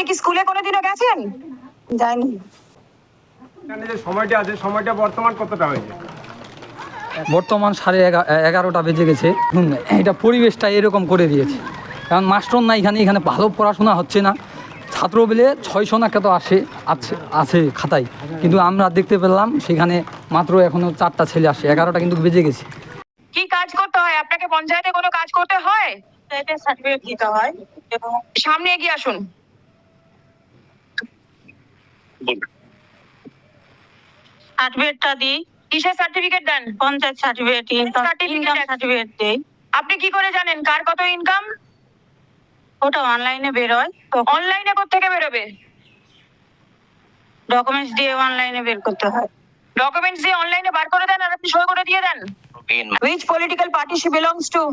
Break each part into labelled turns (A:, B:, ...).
A: আপনি কি স্কুলে কোনোদিনও গেছেন?
B: যাইনি।
C: এখানে যে সময়টা আছে সময়টা বর্তমান কতটা হয়েছে?
D: বর্তমান 11:30 বেজে গেছে। এটা পরিবেশটা এরকম করে দিয়েছে, কারণ মাস্টার না এখানে ভালো পড়াশোনা হচ্ছে না। ছাত্র বলে 600 না কত আছে খাতায়, কিন্তু আমরা দেখতে পেলাম সেখানে মাত্র এখনো 4টা ছেলে আসে। 11টা কিন্তু বেজে গেছে।
A: কি কাজ করতে হয় আপনাকে? পঞ্চায়েতে কোনো কাজ করতে হয়?
B: সার্টিফিকেট দিতে হয় এবং
A: সামনে এগিয়ে আসুন।
B: সার্টিফিকেটটা দিই।
A: কিসের সার্টিফিকেট দেন?
B: পঞ্চায়েত সার্টিফিকেট, ইনকাম সার্টিফিকেট দেই।
A: আপনি কি করে জানেন কার কত ইনকাম?
B: ওটা অনলাইনে বেরোয়,
A: অনলাইনে কোত্থেকে বেরোবে?
B: ডকুমেন্টস দিয়ে অনলাইনে বের করতে হয়।
A: ডকুমেন্টস দিয়ে অনলাইনে বার করে দেন আর আপনি সই করে দিয়ে দেন। Which political party she belongs to?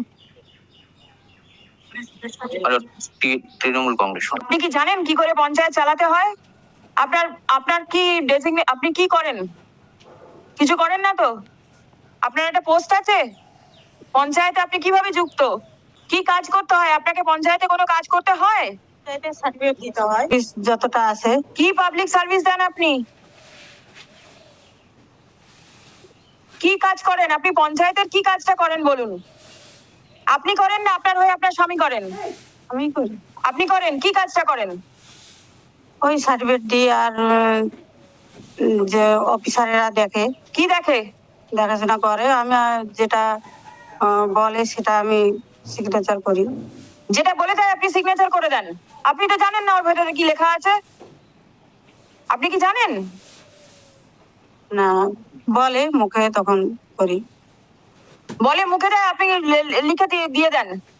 E: Trinamool Congress.
A: আপনি কি জানেন কি করে পঞ্চায়েত চালাতে হয়? আপনার কি আপনি কি করেন? কিছু করেন না তো? আপনার একটা পোস্ট আছে পঞ্চায়েতে, আপনি কিভাবে যুক্ত? কি কাজ করতে হয় আপনাকে? পঞ্চায়েতে কোনো কাজ করতে হয়?
B: সার্টিফিকেট দিতে হয় যতটা আছে।
A: কি পাবলিক সার্ভিস দেন আপনি? কি কাজ করেন আপনি? পঞ্চায়েতের কি কাজটা করেন বলুন? আপনি করেন না আপনার হয়ে আপনার স্বামী করেন?
B: আমি করি।
A: আপনি করেন কি কাজটা করেন?
B: ওই সার্টিফিকেট দিই আর যে অফিসারেরা দেখে,
A: কি দেখে?
B: দেখাশোনা করে। আমি যেটা বলে সেটা আমি সিগনেচার করি।
A: যেটা বলে দেয় আপনি সিগনেচার করে দেন? আপনি তো জানেন না ওর ভেতরে কি লেখা আছে? আপনি কি জানেন?
B: না, বলে মুখে তখন করি।
A: বলে মুখে দেয়, আপনি লিখে দিয়ে দেন?